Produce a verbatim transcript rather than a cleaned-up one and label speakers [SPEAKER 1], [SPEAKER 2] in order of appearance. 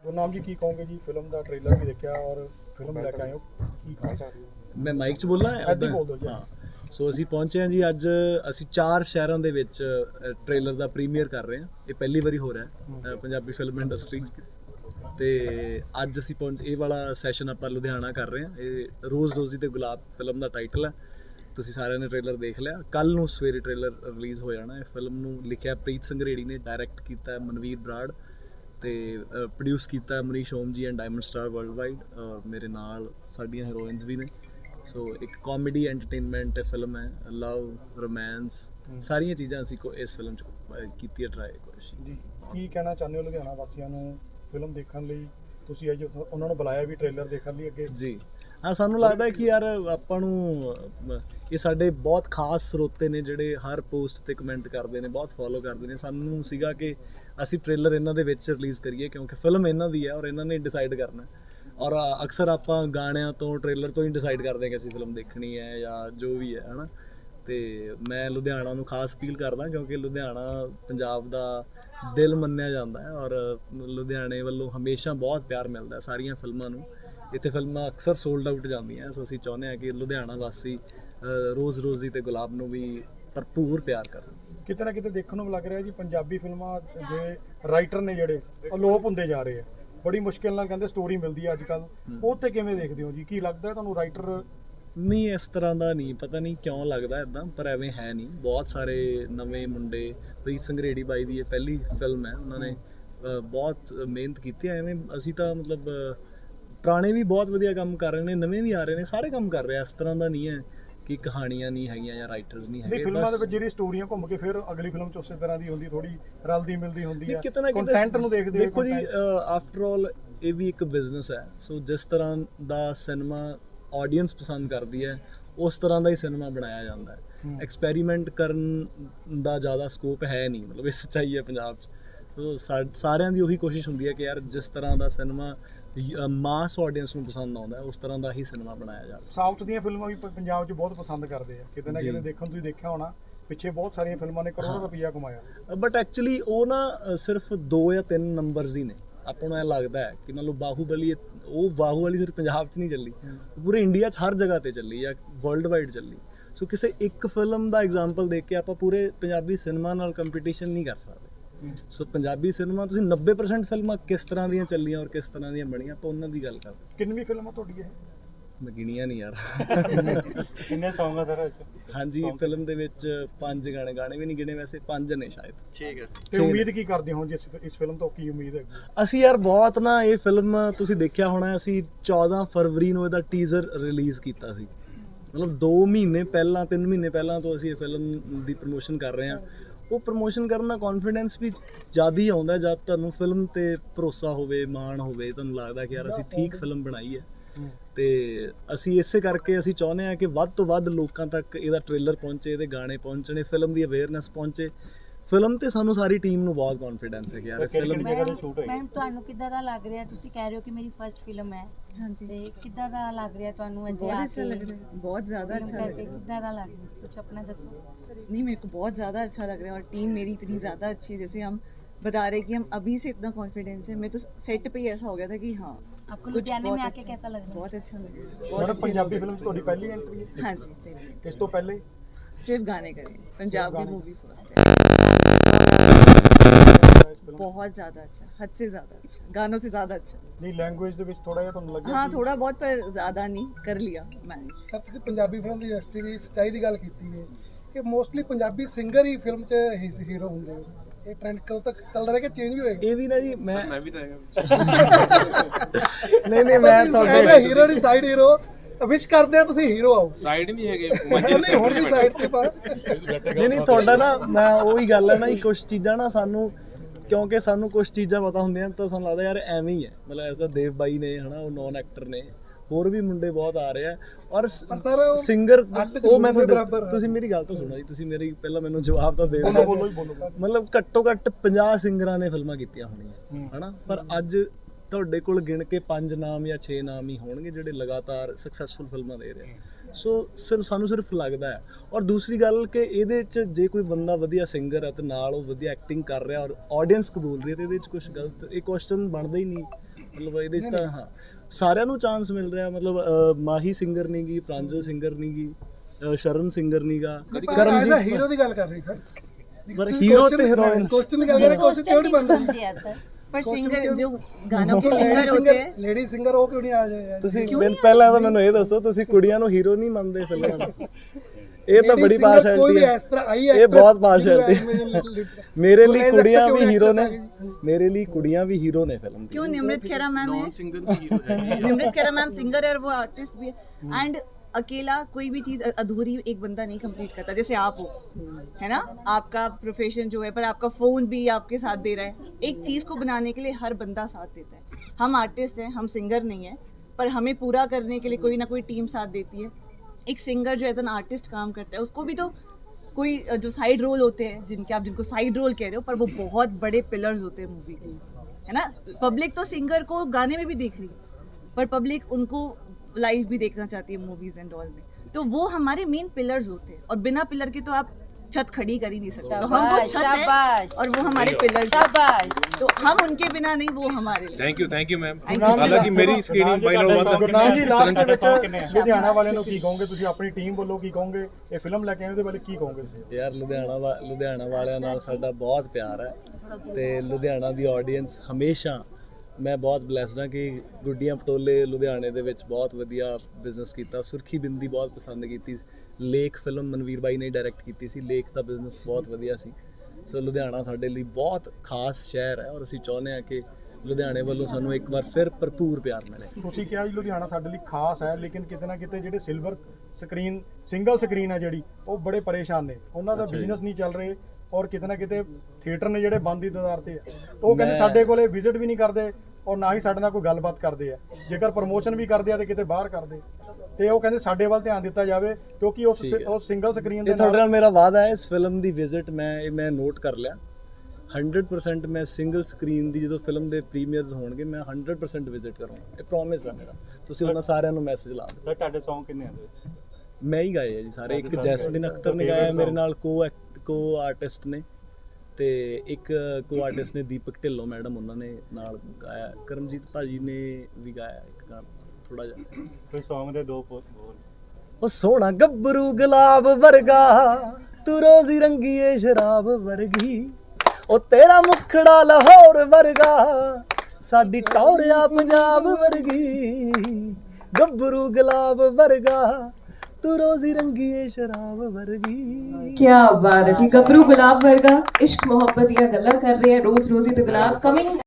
[SPEAKER 1] ਗੁਰਨਾਮ ਜੀ ਕੀ ਕਹੋਗੇ ਜੀ, ਫਿਲਮ ਦਾ ਟ੍ਰੇਲਰ ਵੀ ਦੇਖਿਆ ਔਰ ਫਿਲਮ ਲੈ ਕੇ ਆਏ ਹੋ, ਕੀ ਖਾਸ?
[SPEAKER 2] ਮੈਂ ਮਾਈਕ 'ਚ ਬੋਲਾਂ
[SPEAKER 1] ਇੱਦਾਂ ਹੀ ਬੋਲ ਦਿਓ ਜੀ।
[SPEAKER 2] ਹਾਂ, ਸੋ ਅਸੀਂ ਪਹੁੰਚੇ ਹਾਂ ਜੀ ਅੱਜ। ਅਸੀਂ ਚਾਰ ਸ਼ਹਿਰਾਂ ਦੇ ਵਿੱਚ ਟ੍ਰੇਲਰ ਦਾ ਪ੍ਰੀਮੀਅਰ ਕਰ ਰਹੇ ਹਾਂ। ਇਹ ਪਹਿਲੀ ਵਾਰੀ ਹੋ ਰਿਹਾ ਹੈ ਪੰਜਾਬੀ ਫਿਲਮ ਇੰਡਸਟਰੀ 'ਚ। ਤੇ ਅੱਜ ਅਸੀਂ ਪਹੁੰਚ ਇਹ ਵਾਲਾ ਸੈਸ਼ਨ ਆਪਾਂ ਲੁਧਿਆਣਾ ਕਰ ਰਹੇ ਹਾਂ। ਇਹ ਰੋਜ਼ ਰੋਜ਼ੀ ਤੇ ਗੁਲਾਬ ਫਿਲਮ ਦਾ ਟਾਈਟਲ ਹੈ। ਤੁਸੀਂ ਸਾਰਿਆਂ ਨੇ ਟ੍ਰੇਲਰ ਦੇਖ ਲਿਆ। ਕੱਲ੍ਹ ਨੂੰ ਸਵੇਰੇ ਟ੍ਰੇਲਰ ਰਿਲੀਜ਼ ਹੋ ਜਾਣਾ। ਇਹ ਫਿਲਮ ਨੂੰ ਲਿਖਿਆ ਪ੍ਰੀਤ ਸੰਘਰੇੜੀ ਨੇ, ਡਾਇਰੈਕਟ ਕੀਤਾ ਮਨਵੀਰ ਬਰਾੜ ਤੇ ਪ੍ਰੋਡਿਊਸ ਕੀਤਾ Manish Om ji and diamond star world wide. ਔਰ ਮੇਰੇ ਨਾਲ ਸਾਡੀਆਂ ਹੀਰੋਇਨਸ ਵੀ ਨੇ। ਸੋ ਇੱਕ ਕਾਮੇਡੀ ਐਂਟਰਟੇਨਮੈਂਟ ਫਿਲਮ ਹੈ, ਲਵ, ਰੋਮਾਂਸ, ਸਾਰੀਆਂ ਚੀਜ਼ਾਂ ਅਸੀਂ ਕੋ ਇਸ ਫਿਲਮ 'ਚ ਕੀਤੀ ਹੈ ਟਰਾਈ ਕੋਸ਼ਿਸ਼
[SPEAKER 1] ਜੀ। ਕੀ ਕਹਿਣਾ ਚਾਹੁੰਦੇ ਹੋ ਲੁਧਿਆਣਾ ਵਾਸੀਆਂ ਨੂੰ ਫਿਲਮ ਦੇਖਣ ਲਈ? ਤੁਸੀਂ ਅੱਜ ਉਹਨਾਂ ਨੂੰ ਬੁਲਾਇਆ ਵੀ ਟ੍ਰੇਲਰ ਦੇਖਣ ਲਈ ਅੱਗੇ?
[SPEAKER 2] ਜੀ ਹਾਂ, ਸਾਨੂੰ ਲੱਗਦਾ ਕਿ ਯਾਰ ਆਪਾਂ ਨੂੰ ਇਹ ਸਾਡੇ ਬਹੁਤ ਖਾਸ ਸਰੋਤੇ ਨੇ ਜਿਹੜੇ ਹਰ ਪੋਸਟ ਤੇ ਕਮੈਂਟ ਕਰਦੇ ਨੇ, ਬਹੁਤ ਫੋਲੋ ਕਰਦੇ ਨੇ। ਸਾਨੂੰ ਸੀਗਾ ਕਿ ਅਸੀਂ ਟ੍ਰੇਲਰ ਇਹਨਾਂ ਦੇ ਵਿੱਚ ਰਿਲੀਜ਼ ਕਰੀਏ ਕਿਉਂਕਿ ਫਿਲਮ ਇਹਨਾਂ ਦੀ ਹੈ ਔਰ ਇਹਨਾਂ ਨੇ ਡਿਸਾਈਡ ਕਰਨਾ। ਔਰ ਅਕਸਰ ਆਪਾਂ ਗਾਣਿਆਂ ਤੋਂ, ਟ੍ਰੇਲਰ ਤੋਂ ਹੀ ਡਿਸਾਈਡ ਕਰਦੇ ਹਾਂ ਕਿ ਅਸੀਂ ਫਿਲਮ ਦੇਖਣੀ ਹੈ ਜਾਂ ਜੋ ਵੀ ਹੈ, ਹੈ ਨਾ। ਅਤੇ ਮੈਂ ਲੁਧਿਆਣਾ ਨੂੰ ਖਾਸ ਅਪੀਲ ਕਰਦਾ ਕਿਉਂਕਿ ਲੁਧਿਆਣਾ ਪੰਜਾਬ ਦਾ ਦਿਲ ਮੰਨਿਆ ਜਾਂਦਾ ਹੈ ਔਰ ਲੁਧਿਆਣੇ ਵੱਲੋਂ ਹਮੇਸ਼ਾ ਬਹੁਤ ਪਿਆਰ ਮਿਲਦਾ ਸਾਰੀਆਂ ਫਿਲਮਾਂ ਨੂੰ। ਇੱਥੇ ਫਿਲਮਾਂ ਅਕਸਰ ਸੋਲਡ ਆਊਟ ਜਾਂਦੀਆਂ। ਸੋ ਅਸੀਂ ਚਾਹੁੰਦੇ ਹਾਂ ਕਿ ਲੁਧਿਆਣਾ ਵਾਸੀ ਰੋਜ਼ ਰੋਜ਼ੀ ਤੇ ਗੁਲਾਬ ਨੂੰ ਵੀ ਭਰਪੂਰ ਪਿਆਰ ਕਰਨ।
[SPEAKER 1] ਕਿਤੇ ਨਾ ਕਿਤੇ ਦੇਖਣ ਨੂੰ ਲੱਗ ਰਿਹਾ ਜੀ ਪੰਜਾਬੀ ਫਿਲਮਾਂ ਦੇ ਰਾਈਟਰ ਨੇ ਜਿਹੜੇ ਅਲੋਪ ਹੁੰਦੇ ਜਾ ਰਹੇ ਆ। ਬੜੀ ਮੁਸ਼ਕਿਲ ਨਾਲ ਕਹਿੰਦੇ ਸਟੋਰੀ ਮਿਲਦੀ ਹੈ ਅੱਜ ਕੱਲ੍ਹ। ਉਹ 'ਤੇ ਕਿਵੇਂ ਦੇਖਦੇ ਹੋ ਜੀ? ਕੀ ਲੱਗਦਾ ਤੁਹਾਨੂੰ ਰਾਈਟਰ?
[SPEAKER 2] ਨਹੀਂ, ਇਸ ਤਰ੍ਹਾਂ ਦਾ ਨਹੀਂ, ਪਤਾ ਨਹੀਂ ਕਿਉਂ ਲੱਗਦਾ ਇੱਦਾਂ, ਪਰ ਐਵੇਂ ਹੈ ਨਹੀਂ। ਬਹੁਤ ਸਾਰੇ ਨਵੇਂ ਮੁੰਡੇ, ਪ੍ਰੀਤ ਸੰਘਰੇੜੀ ਬਾਈ ਦੀ ਇਹ ਪਹਿਲੀ ਫਿਲਮ ਹੈ। ਉਹਨਾਂ ਨੇ ਬਹੁਤ ਮਿਹਨਤ ਕੀਤੀ ਹੈ। ਐਵੇਂ ਅਸੀਂ ਤਾਂ ਮਤਲਬ ਪੁਰਾਣੇ ਵੀ ਬਹੁਤ ਵਧੀਆ ਕੰਮ ਕਰ ਰਹੇ ਨੇ, ਨਵੇਂ ਵੀ ਆ ਰਹੇ ਨੇ, ਸਾਰੇ ਕੰਮ ਕਰ ਰਹੇ ਆ। ਇਸ ਤਰ੍ਹਾਂ ਦਾ ਨਹੀਂ ਹੈ ਕਿ ਕਹਾਣੀਆਂ ਨਹੀਂ ਹੈਗੀਆਂ ਜਾਂ ਰਾਈਟਰਸ ਨਹੀਂ ਹੈਗੇ।
[SPEAKER 1] ਫਿਲਮਾਂ ਦੇ ਵਿੱਚ ਜਿਹੜੀ ਸਟੋਰੀਆਂ ਘੁੰਮ ਕੇ ਫਿਰ ਅਗਲੀ ਫਿਲਮ 'ਚ ਉਸੇ ਤਰ੍ਹਾਂ ਦੀ ਹੁੰਦੀ, ਥੋੜੀ ਰਲਦੀ ਮਿਲਦੀ ਹੁੰਦੀ ਹੈ।
[SPEAKER 2] ਕਿਤੇ ਨਾ ਕਿਤੇ
[SPEAKER 1] ਕੰਟੈਂਟ ਨੂੰ ਦੇਖਦੇ
[SPEAKER 2] ਦੇਖੋ ਜੀ, ਆਫਟਰ ਆਲ ਇਹ ਵੀ ਇੱਕ ਬਿਜ਼ਨਸ ਹੈ। ਸੋ ਜਿਸ ਤਰ੍ਹਾਂ ਦਾ ਸਿਨੇਮਾ ਆਡੀਅנס ਪਸੰਦ ਕਰਦੀ ਹੈ ਉਸ ਤਰ੍ਹਾਂ ਦਾ ਹੀ ਸਿਨੇਮਾ ਬਣਾਇਆ ਜਾਂਦਾ ਹੈ। ਐਕਸਪੈਰੀਮੈਂਟ ਕਰਨ ਦਾ ਜ਼ਿਆਦਾ ਸਕੋਪ ਹੈ ਨਹੀਂ, ਮਤਲਬ ਇਹ ਸੱਚਾਈ ਹੈ ਪੰਜਾਬ 'ਚ। ਸੋ ਸਾਰਿਆਂ ਦੀ ਉਹੀ ਕੋਸ਼ਿਸ਼ ਹੁੰਦੀ ਹੈ ਕਿ ਯਾਰ ਜਿਸ ਤਰ੍ਹਾਂ ਦਾ ਸਿਨੇਮਾ ਮਾਸ ਆਡੀਅנס ਨੂੰ ਪਸੰਦ ਆਉਂਦਾ ਉਸ ਤਰ੍ਹਾਂ ਦਾ ਹੀ ਸਿਨੇਮਾ ਬਣਾਇਆ ਜਾਵੇ।
[SPEAKER 1] ਸਾਊਥ ਦੀਆਂ ਫਿਲਮਾਂ ਵੀ ਪੰਜਾਬ 'ਚ ਬਹੁਤ ਪਸੰਦ ਕਰਦੇ ਆ। ਕਿਤੇ ਨਾ ਕਿਤੇ ਦੇਖਣ ਤੁਸੀਂ ਦੇਖਿਆ ਹੋਣਾ, ਪਿੱਛੇ ਬਹੁਤ ਸਾਰੀਆਂ ਫਿਲਮਾਂ ਨੇ ਕਰੋੜਾਂ ਰੁਪਈਆ ਕਮਾਇਆ।
[SPEAKER 2] ਬਟ ਐਕਚੁਅਲੀ ਉਹ ਨਾ ਸਿਰਫ ਦੋ ਜਾਂ ਤਿੰਨ ਨੰਬਰਸ ਹੀ ਨੇ। ਆਪਾਂ ਨੂੰ ਇਹ ਲੱਗਦਾ ਹੈ ਕਿ ਮੰਨ ਲਓ ਬਾਹੂਬਲੀ, ਉਹ ਬਾਹੂਬਲੀ ਸਿਰਫ ਪੰਜਾਬ 'ਚ ਨਹੀਂ ਚੱਲੀ, ਪੂਰੇ ਇੰਡੀਆ 'ਚ ਹਰ ਜਗ੍ਹਾ 'ਤੇ ਚੱਲੀ ਜਾਂ ਵਰਲਡ ਵਾਈਡ ਚੱਲੀ। ਸੋ ਕਿਸੇ ਇੱਕ ਫਿਲਮ ਦਾ ਐਗਜ਼ਾਮਪਲ ਦੇਖ ਕੇ ਆਪਾਂ ਪੂਰੇ ਪੰਜਾਬੀ ਸਿਨੇਮਾ ਨਾਲ ਕੰਪੀਟੀਸ਼ਨ ਨਹੀਂ ਕਰ ਸਕਦੇ। ਸੋ ਪੰਜਾਬੀ ਸਿਨੇਮਾ ਤੁਸੀਂ ਨੱਬੇ ਪਰਸੈਂਟ ਫਿਲਮਾਂ ਕਿਸ ਤਰ੍ਹਾਂ ਦੀਆਂ ਚੱਲੀਆਂ ਔਰ ਕਿਸ ਤਰ੍ਹਾਂ ਦੀਆਂ ਬਣੀਆਂ, ਆਪਾਂ ਉਹਨਾਂ ਦੀ ਗੱਲ ਕਰਦੇ।
[SPEAKER 1] ਕਿੰਨੀ ਫਿਲਮਾਂ ਤੁਹਾਡੀ ਹੈ? ਮੈਂ
[SPEAKER 2] ਗਿਣੀਆਂ ਨਹੀਂ ਯਾਰ।
[SPEAKER 1] ਕਿੰਨੇ ਸੌਂਗ ਆ ਸਰ?
[SPEAKER 2] ਹਾਂਜੀ, ਫਿਲਮ ਦੇ ਵਿੱਚ ਪੰਜ ਗਾਣੇ, ਗਾਣੇ ਵੀ ਨਹੀਂ ਗਿਣੇ ਵੈਸੇ, ਪੰਜ ਨੇ ਸ਼ਾਇਦ।
[SPEAKER 1] ਠੀਕ ਹੈ। ਤੇ ਉਮੀਦ ਕੀ ਕਰਦੇ ਹੋ ਜਿਸ ਇਸ ਫਿਲਮ ਤੋਂ, ਕੀ ਉਮੀਦ ਹੈਗੀ?
[SPEAKER 2] ਅਸੀਂ ਯਾਰ ਬਹੁਤ ਨਾ, ਇਹ ਫਿਲਮ ਤੁਸੀਂ ਦੇਖਿਆ ਹੋਣਾ, ਅਸੀਂ ਚੌਦਾਂ ਫਰਵਰੀ ਨੂੰ ਇਹਦਾ ਟੀਜ਼ਰ ਰਿਲੀਜ਼ ਕੀਤਾ ਸੀ। ਮਤਲਬ ਦੋ ਮਹੀਨੇ ਪਹਿਲਾਂ, ਤਿੰਨ ਮਹੀਨੇ ਪਹਿਲਾਂ ਤੋਂ ਅਸੀਂ ਇਹ ਫਿਲਮ ਦੀ ਪ੍ਰਮੋਸ਼ਨ ਕਰ ਰਹੇ ਹਾਂ। ਉਹ ਪ੍ਰਮੋਸ਼ਨ ਕਰਨ ਦਾ ਕੌਨਫੀਡੈਂਸ ਵੀ ਜ਼ਿਆਦਾ ਹੀ ਆਉਂਦਾ ਜਦ ਤੁਹਾਨੂੰ ਫਿਲਮ 'ਤੇ ਭਰੋਸਾ ਹੋਵੇ, ਮਾਣ ਹੋਵੇ, ਤੁਹਾਨੂੰ ਲੱਗਦਾ ਕਿ ਯਾਰ ਅਸੀਂ ਠੀਕ ਫਿਲਮ ਬਣਾਈ ਹੈ। ਤੇ ਅਸੀਂ ਇਸੇ ਕਰਕੇ ਅਸੀਂ ਚਾਹੁੰਦੇ ਹਾਂ ਕਿ ਵੱਧ ਤੋਂ ਵੱਧ ਲੋਕਾਂ ਤੱਕ ਇਹਦਾ ਟ੍ਰੇਲਰ ਪਹੁੰਚੇ, ਇਹਦੇ ਗਾਣੇ ਪਹੁੰਚਣੇ, ਫਿਲਮ ਦੀ ਅਵੇਅਰਨੈਸ ਪਹੁੰਚੇ। ਫਿਲਮ ਤੇ ਸਾਨੂੰ ਸਾਰੀ ਟੀਮ ਨੂੰ ਬਹੁਤ ਕੌਨਫੀਡੈਂਸ ਹੈ ਕਿ ਯਾਰ ਫਿਲਮ
[SPEAKER 3] ਮੈਮ ਤੁਹਾਨੂੰ ਕਿੱਦਾਂ ਦਾ ਲੱਗ ਰਿਹਾ? ਤੁਸੀਂ ਕਹਿ ਰਹੇ ਹੋ ਕਿ ਮੇਰੀ ਫਰਸਟ ਫਿਲਮ ਹੈ। ਹਾਂਜੀ, ਤੇ ਕਿੱਦਾਂ ਦਾ ਲੱਗ ਰਿਹਾ ਤੁਹਾਨੂੰ? ਇੱਥੇ
[SPEAKER 4] ਬਹੁਤ ਅੱਛਾ ਲੱਗ ਰਿਹਾ, बहुत ज़्यादा अच्छा लग रहा है।
[SPEAKER 3] कितना दा लग रहा है, कुछ अपना दसो।
[SPEAKER 4] नहीं, मेरे को बहुत ज़्यादा अच्छा लग रहा है और टीम मेरी इतनी ज़्यादा अच्छी है। जैसे हम बता रहे कि हम अभी से इतना कॉन्फिडेंस है। मैं तो सेट पे ही ऐसा हो गया था कि हाँ,
[SPEAKER 3] आपको लुधियाने में आके कैसा लग रहा है?
[SPEAKER 4] बहुत अच्छा लग रहा है।
[SPEAKER 1] बहुत पंजाबी फिल्म ਤੁਹਾਡੀ ਪਹਿਲੀ एंट्री है?
[SPEAKER 4] हाँ जी, पहले।
[SPEAKER 1] ਇਸ ਤੋਂ ਪਹਿਲੇ
[SPEAKER 4] सिर्फ गाने करें, पंजाबी मूवी फर्स्ट है। बहुत ज़्यादा अच्छा, हद से ज़्यादा अच्छा, गानों से ज़्यादा अच्छा।
[SPEAKER 1] ਨਹੀਂ ਲੈਂਗੁਏਜ ਦੇ ਵਿੱਚ ਥੋੜਾ ਜਿਹਾ ਤੁਹਾਨੂੰ ਲੱਗਿਆ?
[SPEAKER 4] हाँ, थोड़ा बहुत, पर ज़्यादा नहीं, कर लिया मैनेज।
[SPEAKER 5] ਸਰ ਤੁਸੀਂ ਪੰਜਾਬੀ ਫਿਲਮ ਦੀ ਇੰਡਸਟਰੀ ਦੀ ਸੱਚਾਈ ਦੀ ਗੱਲ ਕੀਤੀ ਹੈ ਕਿ ਮੋਸਟਲੀ ਪੰਜਾਬੀ ਸਿੰਗਰ ਹੀ ਫਿਲਮ 'ਚ ਹੀਰੋ ਹੁੰਦੇ ਨੇ। ਇਹ ਟ੍ਰੈਂਡ ਕਦੋਂ ਤੱਕ ਚੱਲ ਰਿਹਾ ਕਿ ਚੇਂਜ ਵੀ ਹੋਏਗਾ?
[SPEAKER 2] ਇਹ ਵੀ ਨਾ ਜੀ, ਮੈਂ
[SPEAKER 6] ਮੈਂ ਵੀ ਤਾਂ ਹੈਗਾ।
[SPEAKER 2] ਨਹੀਂ ਨਹੀਂ ਮੈਂ ਤੁਹਾਡੇ
[SPEAKER 5] ਹੀਰੋ ਦੀ ਸਾਈਡ ਹੀਰੋ ਵਿਸ਼ ਕਰਦੇ ਆ ਤੁਸੀਂ ਹੀਰੋ ਆਓ।
[SPEAKER 6] ਸਾਈਡ ਨਹੀਂ ਹੈਗੇ,
[SPEAKER 5] ਨਹੀਂ ਹੁਣ ਵੀ ਸਾਈਡ ਤੇ ਪਾ।
[SPEAKER 2] ਨਹੀਂ ਨਹੀਂ ਤੁਹਾਡਾ ਨਾ, ਮੈਂ ਉਹੀ ਗੱਲ ਹੈ ਨਾ, ਕੁਝ ਚੀਜ਼ਾਂ ਨਾ ਸਾਨੂੰ, ਕਿਉਂਕਿ ਸਾਨੂੰ ਕੁਝ ਚੀਜ਼ਾਂ ਪਤਾ ਹੁੰਦੀਆਂ ਤਾਂ ਸਾਨੂੰ ਲੱਗਦਾ ਯਾਰ ਐਵੇਂ ਹੀ ਹੈ। ਮਤਲਬ ਐਸਾ ਦੇਵ ਬਾਈ ਨੇ, ਹੈ ਨਾ, ਉਹ ਨੌਨ ਐਕਟਰ ਨੇ, ਹੋਰ ਵੀ ਮੁੰਡੇ ਬਹੁਤ ਆ ਰਹੇ ਆ ਔਰ ਸਿੰਗਰ। ਉਹ ਮੈਂ ਤੁਹਾਡੇ, ਤੁਸੀਂ ਮੇਰੀ ਗੱਲ ਤਾਂ ਸੁਣੋ ਜੀ, ਤੁਸੀਂ ਮੇਰੀ ਪਹਿਲਾਂ ਮੈਨੂੰ ਜਵਾਬ ਤਾਂ ਦੇ ਦਿਓ। ਮਤਲਬ ਘੱਟੋ ਘੱਟ ਪੰਜਾਹ ਸਿੰਗਰਾਂ ਨੇ ਫਿਲਮਾਂ ਕੀਤੀਆਂ ਹੋਣੀਆਂ, ਹੈ ਨਾ, ਪਰ ਅੱਜ ਤੁਹਾਡੇ ਕੋਲ ਗਿਣ ਕੇ ਪੰਜ ਨਾਮ ਜਾਂ ਛੇ ਨਾਮ ਹੀ ਹੋਣਗੇ ਜਿਹੜੇ ਲਗਾਤਾਰ ਸਕਸੈਸਫੁਲ ਫਿਲਮਾਂ ਦੇ ਰਹੇ। ਸੋ ਸਿਰ ਸਾਨੂੰ ਸਿਰਫ ਲੱਗਦਾ ਹੈ। ਔਰ ਦੂਸਰੀ ਗੱਲ ਕਿ ਇਹਦੇ 'ਚ ਜੇ ਕੋਈ ਬੰਦਾ ਵਧੀਆ ਸਿੰਗਰ ਹੈ ਤੇ ਨਾਲ ਉਹ ਵਧੀਆ ਐਕਟਿੰਗ ਕਰ ਰਿਹਾ ਔਰ ਆਡੀਅנס ਕਬੂਲ ਰਹੀ ਹੈ ਤੇ ਇਹਦੇ 'ਚ ਕੁਝ ਗਲਤ, ਇਹ ਕੁਐਸਚਨ ਬਣਦਾ ਹੀ ਨਹੀਂ। ਮਤਲਬ ਇਹਦੇ 'ਚ ਤਾਂ ਹਾਂ ਸਾਰਿਆਂ ਨੂੰ ਚਾਂਸ ਮਿਲ ਰਿਹਾ ਮਤਲਬ ਅ, ਮਾਹੀ ਸਿੰਗਰ ਨਹੀਂ ਗੀ, ਪ੍ਰਾਂਜਲ ਸਿੰਗਰ ਨਹੀਂ ਗੀ, ਅ, ਸ਼ਰਨ ਸਿੰਗਰ ਨਹੀਂ ਗਾ,
[SPEAKER 5] ਕਰਮਜੀਤ ਹੀਰੋ ਦੀ ਗੱਲ ਕਰ ਰਹੀ ਸਰ
[SPEAKER 2] ਪਰ ਹੀਰੋ ਤੇ ਹੀਰੋਇਨ
[SPEAKER 5] ਕੁਐਸਚਨ ਦੀ ਗੱਲ ਕਰ ਰਹੇ ਕੁਐਸਚਨ ਕਿਉਂ ਨਹੀਂ ਬਣਦਾ
[SPEAKER 3] ਸਰ
[SPEAKER 4] पर सिंगर जो गानों के सिंगर होते हैं
[SPEAKER 5] ਲੇਡੀ ਸਿੰਗਰ ਉਹ ਕਿਉਂ ਨਹੀਂ ਆ ਜਾਏ
[SPEAKER 2] ਤੁਸੀਂ ਮੈਨੂੰ ਪਹਿਲਾਂ ਤਾਂ ਮੈਨੂੰ ਇਹ ਦੱਸੋ ਤੁਸੀਂ ਕੁੜੀਆਂ ਨੂੰ ਹੀਰੋ ਨਹੀਂ ਮੰਨਦੇ ਫਿਲਮਾਂ ਦਾ ਇਹ ਤਾਂ ਬੜੀ ਪਾਰਸ਼ੈਲਿਟੀ ਹੈ
[SPEAKER 5] ਇਸ ਤਰ੍ਹਾਂ ਆਈ
[SPEAKER 2] ਇਹ ਬਹੁਤ ਪਾਰਸ਼ੈਲਿਟੀ ਮੇਰੇ ਲਈ ਕੁੜੀਆਂ ਵੀ ਹੀਰੋ ਨੇ ਮੇਰੇ ਲਈ ਕੁੜੀਆਂ ਵੀ ਹੀਰੋ ਨੇ ਫਿਲਮ ਦੀ
[SPEAKER 4] क्यों निमृत खेरा मैम है निमृत खेरा मैम सिंगर है और वो आर्टिस्ट भी है एंड अकेला कोई भी चीज अधूरी एक बंदा नहीं कंप्लीट करता जैसे आप हो है ना आपका प्रोफेशन जो है पर आपका फोन भी आपके साथ दे रहा है एक चीज को बनाने के लिए हर बंदा साथ देता है हम आर्टिस्ट हैं हम सिंगर नहीं है पर हमें पूरा करने के लिए कोई ना कोई टीम साथ देती है एक सिंगर जो एज एन आर्टिस्ट काम करता है उसको भी तो कोई जो साइड रोल होते हैं जिनके आप जिनको साइड रोल कह रहे हो पर वो बहुत बड़े पिलर्स होते हैं मूवी के है ना पब्लिक तो सिंगर को गाने में भी देख रही है पर पब्लिक उनको लाइव भी देखना चाहती है मूवीज एंड ऑल में तो वो हमारे मेन पिलर्स होते हैं और बिना पिलर के तो आप छत खड़ी कर ही नहीं सकते तो हम वो छत है
[SPEAKER 3] शाबाश
[SPEAKER 4] और वो हमारे पिलर्स
[SPEAKER 3] शाबाश
[SPEAKER 4] तो हम उनके बिना नहीं वो हमारे लिए
[SPEAKER 6] thank you thank you ma'am
[SPEAKER 4] Thank you.
[SPEAKER 6] ਹਾਲਾਂਕਿ ਮੇਰੀ ਸਕਰੀਨਿੰਗ ਬਾਈ number one
[SPEAKER 1] Gurnam ji last ਦੇ ਵਿੱਚ ਲੁਧਿਆਣਾ ਵਾਲਿਆਂ ਨੂੰ ਕੀ ਕਹੋਗੇ ਤੁਸੀਂ ਆਪਣੀ ਟੀਮ ਵੱਲੋਂ ਕੀ ਕਹੋਗੇ ਇਹ ਫਿਲਮ ਲੈ ਕੇ ਆਏ ਉਹਦੇ ਬਾਰੇ ਕੀ ਕਹੋਗੇ ਤੁਸੀਂ
[SPEAKER 2] ਯਾਰ ਲੁਧਿਆਣਾ ਵਾ- ਲੁਧਿਆਣਾ ਵਾਲਿਆਂ ਨਾਲ ਸਾਡਾ ਬਹੁਤ ਪਿਆਰ ਹੈ ਤੇ ਲੁਧਿਆਣਾ ਦੀ ਆਡੀਅנס ਹਮੇਸ਼ਾ ਮੈਂ ਬਹੁਤ ਬਲੈਸਡ ਹਾਂ ਕਿ ਗੁੱਡੀਆਂ ਪਟੋਲੇ ਲੁਧਿਆਣੇ ਦੇ ਵਿੱਚ ਬਹੁਤ ਵਧੀਆ ਬਿਜ਼ਨਸ ਕੀਤਾ ਸੁਰਖੀ ਬਿੰਦੀ ਬਹੁਤ ਪਸੰਦ ਕੀਤੀ ਲੇਖ ਫਿਲਮ ਮਨਵੀਰ ਬਾਈ ਨੇ ਡਾਇਰੈਕਟ ਕੀਤੀ ਸੀ ਲੇਖ ਦਾ ਬਿਜ਼ਨਸ ਬਹੁਤ ਵਧੀਆ ਸੀ ਸੋ ਲੁਧਿਆਣਾ ਸਾਡੇ ਲਈ ਬਹੁਤ ਖਾਸ ਸ਼ਹਿਰ ਹੈ ਔਰ ਅਸੀਂ ਚਾਹੁੰਦੇ ਹਾਂ ਕਿ ਲੁਧਿਆਣੇ ਵੱਲੋਂ ਸਾਨੂੰ ਇੱਕ ਵਾਰ ਫਿਰ ਭਰਪੂਰ ਪਿਆਰ ਮਿਲੇ
[SPEAKER 1] ਤੁਸੀਂ ਕਿਹਾ ਜੀ ਲੁਧਿਆਣਾ ਸਾਡੇ ਲਈ ਖਾਸ ਹੈ ਲੇਕਿਨ ਕਿਤੇ ਨਾ ਕਿਤੇ ਜਿਹੜੇ ਸਿਲਵਰ ਸਕਰੀਨ ਸਿੰਗਲ ਸਕਰੀਨ ਹੈ ਜਿਹੜੀ ਉਹ ਬੜੇ ਪਰੇਸ਼ਾਨ ਨੇ ਉਹਨਾਂ ਦਾ
[SPEAKER 2] ਅੱਛਾ ਜੀ।
[SPEAKER 1] ਬਿਜ਼ਨਸ ਨਹੀਂ ਚੱਲ ਰਹੇ ਔਰ ਕਿਤੇ ਨਾ ਕਿਤੇ ਥੀਏਟਰ ਨੇ ਜਿਹੜੇ ਬੰਦ ਦੀ ਦਦਾਰ ਤੇ ਆ ਉਹ ਕਹਿੰਦੇ ਸਾਡੇ ਕੋਲੇ ਵਿਜ਼ਿਟ ਵੀ ਨਹੀਂ ਕਰਦੇ ਔਰ ਨਾ ਹੀ ਸਾਡੇ ਨਾਲ ਕੋਈ ਗੱਲਬਾਤ ਕਰਦੇ ਆ ਜੇਕਰ ਪ੍ਰਮੋਸ਼ਨ ਵੀ ਕਰਦੇ ਆ ਤੇ ਕਿਤੇ ਬਾਹਰ ਕਰਦੇ ਤੇ ਉਹ ਕਹਿੰਦੇ ਸਾਡੇ ਵੱਲ ਧਿਆਨ ਦਿੱਤਾ ਜਾਵੇ ਕਿਉਂਕਿ ਉਸ ਉਹ ਸਿੰਗਲ ਸਕਰੀਨ ਦੇ
[SPEAKER 2] ਇਹ ਤੁਹਾਡੇ
[SPEAKER 1] ਨਾਲ
[SPEAKER 2] ਨਾਲ ਮੇਰਾ ਵਾਅਦਾ ਹੈ ਇਸ ਫਿਲਮ ਦੀ ਵਿਜ਼ਿਟ ਮੈਂ ਇਹ ਮੈਂ ਨੋਟ ਕਰ ਲਿਆ ਹੰਡਰਡ ਪਰਸੈਂਟ ਮੈਂ ਸਿੰਗਲ ਸਕਰੀਨ ਦੀ ਜਦੋਂ ਫਿਲਮ ਦੇ ਪ੍ਰੀਮੀਅਰਸ ਹੋਣਗੇ ਮੈਂ ਹੰਡਰਡ ਪਰਸੈਂਟ ਵਿਜ਼ਿਟ ਕਰੂੰਗਾ ਇਹ ਪ੍ਰੋਮਿਸ ਹੈ ਮੇਰਾ ਤੁਸੀਂ ਉਹਨਾਂ ਸਾਰਿਆਂ ਨੂੰ ਮੈਸੇਜ ਲਾ ਦਿਓ
[SPEAKER 7] ਸਰ ਤੁਹਾਡੇ Song ਕਿੰਨੇ ਆਉਂਦੇ
[SPEAKER 2] ਮੈਂ ਹੀ ਗਾਏ ਆ ਜੀ ਸਾਰੇ ਇੱਕ ਜੈਸਮਿਨ ਅਖਤਰ ਨੇ ਗਾਇਆ ਮੇਰੇ ਨਾਲ ਕੋ ਕੋ ਆਰਟਿਸਟ ਨੇ ਤੇ ਇੱਕ ਕੋ ਆਰਟਿਸਟ ਨੇ ਦੀਪਕ ਢਿੱਲੋਂ ਮੈਡਮ ਉਹਨਾਂ ਨੇ ਨਾਲ ਗਾਇਆ ਕਰਮਜੀਤ ਭਾਜੀ ਨੇ ਵੀ ਗਾਇਆ ਇੱਕ ਗਾਣਾ ਥੋੜਾ ਜਿਹਾ
[SPEAKER 7] ਕੋਈ Song ਦੇ ਦੋ ਬੋਲ
[SPEAKER 2] ਉਹ ਸੋਹਣਾ ਗੱਭਰੂ ਗੁਲਾਬ ਵਰਗਾ ਤੂੰ ਰੋਜ਼ੀ ਰੰਗੀ ਏ ਸ਼ਰਾਬ ਵਰਗੀ ਉਹ ਤੇਰਾ ਮੁਖੜਾ ਲਾਹੌਰ ਵਰਗਾ ਸਾਡੀ ਟੌਰਿਆ ਪੰਜਾਬ ਵਰਗੀ ਗੱਭਰੂ ਗੁਲਾਬ ਵਰਗਾ ਤੂੰ ਰੋਜ਼ੀ ਰੰਗੀ ਏ ਸ਼ਰਾਬ ਵਰਗੀ
[SPEAKER 8] क्या बात है जी गबरू गुलाब वर्गा इश्क मोहब्बत दियां गल्लां कर रहे हैं रोज रोजी तो गुलाब कमिंग